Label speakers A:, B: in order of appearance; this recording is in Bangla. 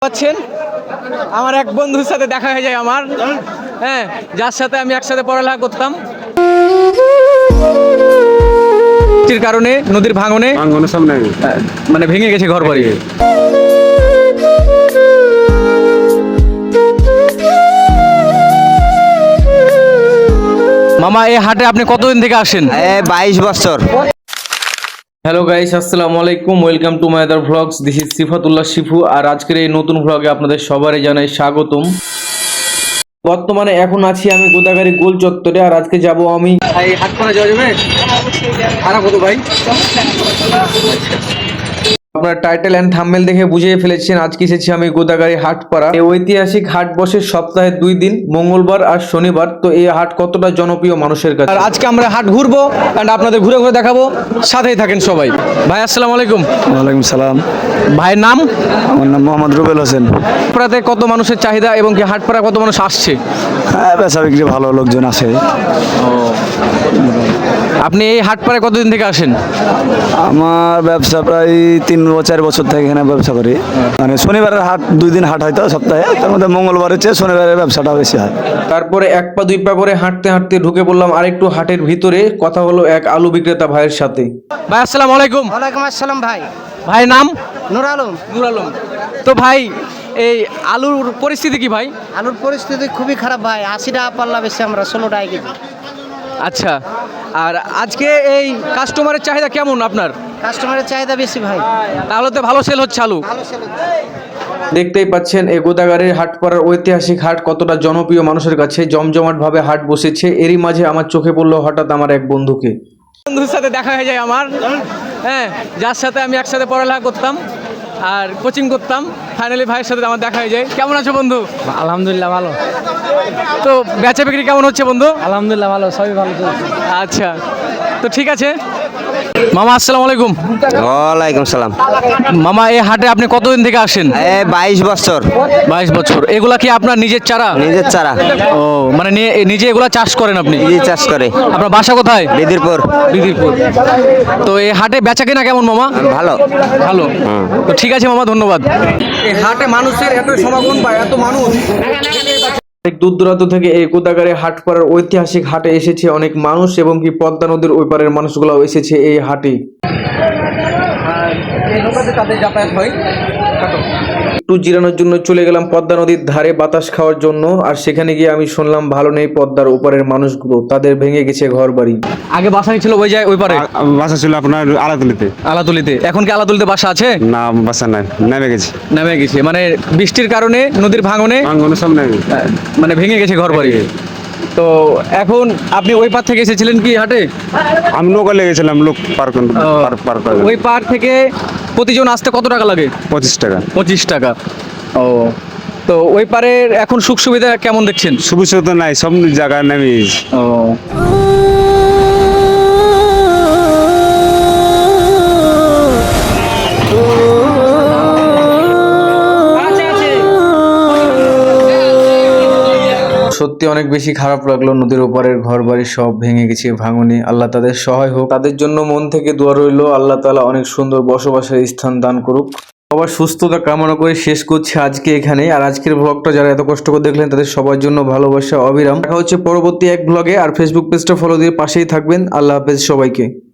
A: পাচ্ছেন আমার এক বন্ধুর সাথে দেখা হয়ে যায় আমার, হ্যাঁ, যার সাথে আমি একসাথে পড়ালেখা করতাম। বৃষ্টির কারণে নদীর ভাঙনে সামনে মানে ভেঙে গেছে ঘর বাড়ি। মামা, এই হাটে আপনি কতদিন থেকে আসেন?
B: 22 বছর।
A: হ্যালো গাইস, আসসালামু আলাইকুম, welcome to my other vlogs. This is Sifatullah Shifu. আর আজকের এই নতুন ভ্লগে আপনাদের সবারই জানাই স্বাগতম। বর্তমানে এখন আছি আমি গোদাগাড়ি গোল চত্বরে, আর আজকে যাব আমি এই হাটপাড়া যাওয়া যাবে? ভাড়া কত ভাই? আপনার টাইটেল এন্ড থাম্বনেল দেখে বুঝিয়ে ফেলেছেন আজকে এসেছি আমি গোদাগাড়ি হাটপাড়া। এই ঐতিহাসিক হাট বসে সপ্তাহে 2 দিন, মঙ্গলবার আর শনিবার। তো এই হাট কতটা জনপ্রিয় মানুষের কাছে, আর আজকে আমরা হাট ঘুরবো এন্ড আপনাদের ঘুরে ঘুরে দেখাবো, সাথেই থাকেন সবাই। ভাই আসসালামু আলাইকুম।
C: ওয়ালাইকুম সালাম।
A: ভাইয়ের নাম?
C: আমার নাম মোহাম্মদ রুবেল হোসেন।
A: হাটপাড়াতে কত মানুষের চাহিদা এবং কি হাটপাড়া কত মানুষ আসছে?
C: হ্যাঁ, বেচা বিক্রি ভালো, লোকজন আসে।
A: আপনি এই হাটপাড়ায় কতদিন থেকে আসেন?
C: আমার ব্যবসা প্রায় 3-4 বছর থেকে এখানে ব্যবসা করি। মানে শনিবারের হাট 2 দিন হাট হয়তো সপ্তাহে, তার মধ্যে মঙ্গলবারের চেয়ে শনিবারের ব্যবসাটা বেশি হয়।
A: তারপরে 1 পা 2 পা করে হাঁটতে হাঁটতে ঢুকে পড়লাম আরেকটু হাটের ভিতরে। কথা হলো এক আলু বিক্রেতা ভাইয়ের সাথে। ভাই আসসালামু আলাইকুম।
B: ওয়ালাইকুম আসসালাম ভাই।
A: ভাই নাম?
B: নূর আলম।
A: নূর আলম। তো ভাই, এই আলুর পরিস্থিতি কি ভাই?
B: আলুর পরিস্থিতি খুবই খারাপ ভাই। 80 টাকা পাল্লা বেশি, আমরা 16 টাকা কেজি।
A: আচ্ছা, আর আজকে এই কাস্টমারের চাহিদা কেমন আপনার?
B: কাস্টমারের চাহিদা বেশি ভাই।
A: তাহলে তো ভালো সেল হচ্ছে আলু।
B: ভালো সেল।
A: দেখতেই পাচ্ছেন এই গোদাগাড়ির হাটপাড়ার ঐতিহাসিক হাট কতটা জনপ্রিয় মানুষের কাছে। জমজমাট ভাবে হাট বসেছে। এরই মাঝে আমার চোখে পড়লো হঠাৎ আমার এক বন্ধুর সাথে দেখা হয়ে যায় আমার, হ্যাঁ, যার সাথে আমি একসাথে পড়ালেখা করতাম আর কোচিং করতাম। ফাইনালি ভাইয়ের সাথে আমার দেখা হয়ে যায়। কেমন আছো বন্ধু?
D: আলহামদুলিল্লাহ ভালো।
A: তো বেচা বিক্রি কেমন হচ্ছে বন্ধু?
D: আলহামদুলিল্লাহ ভালো, সবই ভালো চলছে।
A: আচ্ছা, তো ঠিক আছে। মামা আসসালামু আলাইকুম।
B: ওয়ালাইকুম সালাম।
A: মামা, এই হাটে আপনি কতদিন থেকে আসেন?
B: 22 বছর।
A: 22 বছর। এগুলা কি আপনার নিজের চারা?
B: নিজের চারা।
A: ও, মানে নিজে এগুলা চাষ করেন আপনি?
B: নিজে চাষ করে।
A: আপনার বাসা কোথায়?
B: বিদিরপুর।
A: বিদিরপুর। তো এই হাটে বেচা কেনা কেমন মামা?
B: ভালো।
A: ভালো। তো ঠিক আছে মামা, ধন্যবাদ। এই হাটে মানুষের এত সমাগম বা এত মানুষ, অনেক দূর দূরান্ত থেকে এই গোদাগাড়ি হাটপাড়ার ঐতিহাসিক হাটে এসেছে অনেক মানুষ, এবং কি পদ্মা নদীর ওই পারের মানুষগুলো এসেছে এই হাটে। তাদের যাতায়াত হয়। একটু জিরানোর জন্য চলে গেলাম পদ্মা নদীর ধারে বাতাস খাওয়ার জন্য। আর সেখানে গিয়ে আমি শুনলাম ভালো নেই পদ্মার ওপারের মানুষগুলো, তাদের ভেঙে গেছে ঘর বাড়ি। আগে বাসা ছিল ওই যায় ওই পারে?
C: বাসা ছিল আপনার আলাতুলিতে।
A: আলাতুলিতে। এখন কি আলাতুলিতে বাসা আছে?
C: না, বাসা নাই, নেমে গেছে।
A: নেমে গেছে মানে বৃষ্টির কারণে নদীর ভাঙনে
C: সামনে
A: মানে ভেঙে গেছে ঘর বাড়ি। তো এখন আপনি ওই পার থেকে এসেছিলেন কি হাটে?
C: আমি নৌকা লেগেছিলাম, লোক পার করে।
A: ওই পার থেকে প্রতিজন আসতে কত টাকা লাগে?
C: 25 টাকা।
A: 25 টাকা। ও, তো ওই পারের এখন সুখ সুবিধা কেমন দেখছেন?
C: সুবিধা তো নাই, সব জায়গায় নেমে গেছে।
A: ও, সত্যি অনেক বেশি খারাপ লাগলো। নদীর ওপারের ঘর বাড়ি সব ভেঙে গেছে ভাঙনে। আল্লাহ তাদের সহায় হোক। তাদের জন্য মন থেকে দোয়া রইল, আল্লাহ তাআলা অনেক সুন্দর বসবাসের স্থান দান করুক। সবার সুস্থতা কামনা করে শেষ করছি আজকে এখানে। আর আজকের ব্লগটা যারা এত কষ্ট করে দেখলেন তাদের সবার জন্য ভালোবাসা অবিরাম। দেখা হচ্ছে পরবর্তী এক ব্লগে। আর ফেসবুক পেজটা ফলো দিয়ে পাশেই থাকবেন। আল্লাহ হাফেজ সবাইকে।